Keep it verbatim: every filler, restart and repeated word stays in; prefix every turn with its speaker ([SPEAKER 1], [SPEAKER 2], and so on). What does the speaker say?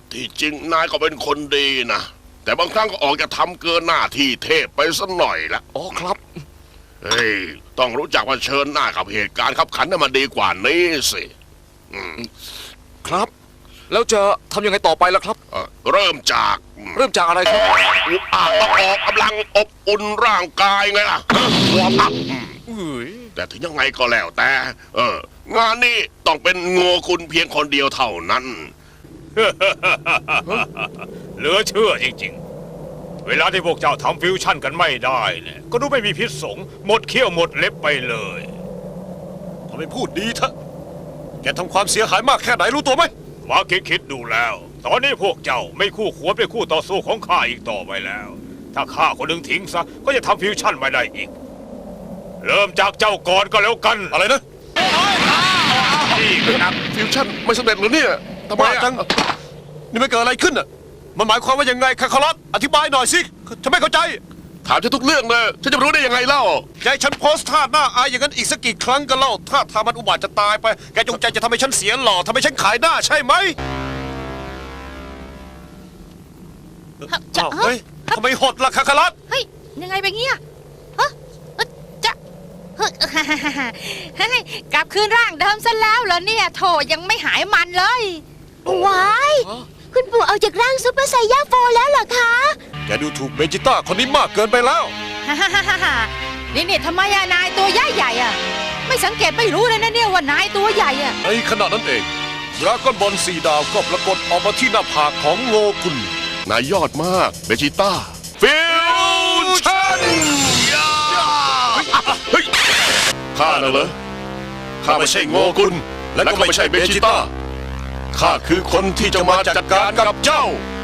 [SPEAKER 1] ที่จริงนายก็เป็นคนดีนะแต่บางครั้งก็ออกจะทำเกินหน้าที่เทพไปสักหน่อยละ
[SPEAKER 2] อ๋อครับ
[SPEAKER 1] เฮ้ยต้องรู้จักว่าเชิญหน้ากับเหตุการณ์ขับขันให้มันดีกว่านี้สิอืม
[SPEAKER 2] ครับ แล้วจะทำยังไงต่อไปล่ะครับ
[SPEAKER 1] เอ่อเริ่มจาก
[SPEAKER 2] เริ่มจากอะไรครับ
[SPEAKER 1] อุปอาต้องออกกำลังอบอุ่นร่างกายไงล่ะวอร์มอัพ
[SPEAKER 2] เอ้ย
[SPEAKER 1] แต่ถึงยังไงก็แล้วแต่ เอองานนี้ต้องเป็นโง่คุณเพียงคนเดียวเท่านั้น
[SPEAKER 3] เหลือเชื่อจริงๆ เวลาที่พวกเจ้าทำฟิวชั่นกันไม่ได้เนี่ยก็ดูไม่มีพิษสงหมดเขี้ยวหมดเล็บไปเลย
[SPEAKER 4] ทำไมพูดดีเถอะแกทำความเสียหายมากแค่ไหนรู้ตัวไหม
[SPEAKER 3] มาคิดคิดดูแล้ว ตอนนี้พวกเจ้าไม่คู่ควรเป็นคู่ต่อสู้ของข้าอีกต่อไปแล้ว ถ้าข้าคนหนึ่งทิ้งซะก็จะทำฟิวชั่นไม่ได้อีก เริ่มจากเจ้าก่อนก็แล้วกัน
[SPEAKER 4] อะไรนะ
[SPEAKER 3] นี่คือนัก
[SPEAKER 1] ฟิวชั่นไม่สำเร็จหรือเนี่ยทำไม
[SPEAKER 4] บ้า
[SPEAKER 1] อะ
[SPEAKER 4] จัง นี่มันเกิดอะไรขึ้นอ่ะ มันหมายความว่ายังไงคาคารัสอธิบายหน่อยสิฉันไม่เข้าใจ
[SPEAKER 1] ถามฉันทุกเรื่องเลยฉันจะรู้ได้ยังไงเล่า
[SPEAKER 4] แกให้ฉันโพสท่าหน้าอายอย่างนั้นอีกสักกี่ครั้งกันเล่า ถ้าทามันอุบาทจะตายไป แกจงใจจะทำให้ฉันเสียหล่อทำให้ฉันขายหน้าใช่ไหม
[SPEAKER 5] จะ
[SPEAKER 4] อ้าวเฮ้ยทำไมหดล่ะคาคารัส
[SPEAKER 5] เฮ้ยยังไงไปเงี้ยฮะเอ้ยจะเฮ้ยเฮ้ยกลับคืนร่างเดิมซะแล้วเหรอเนี่ยโถยังไม่หายมันเลย
[SPEAKER 6] ว้ายคุณปู่เอาจากร่างซุปเปอร์ไซย่าโฟแล้วเหรอคะ
[SPEAKER 4] แกดูถูกเบจิต้าคนนี้มากเกินไปแล้ว
[SPEAKER 5] นี่นี่ทำไมอะนายตัวใหญ่ใหญ่อะไม่สังเกตไม่รู้เลยนะเนี่ยว่านายตัวใหญ่อะ
[SPEAKER 4] ในขณะนั้นเองดราก้อนบอลสีดาวก็ปรากฏออกมาที่หน้าผากของโงกุล
[SPEAKER 1] นายยอดมากเบจิต้าฟิวชั่นเฮ้ยข้าน่ะเหรอข้าไม่ใช่โงกุลและก็ไม่ใช่เบจิต้าข้าคือคนที่จะมาจัดการกับเจ้า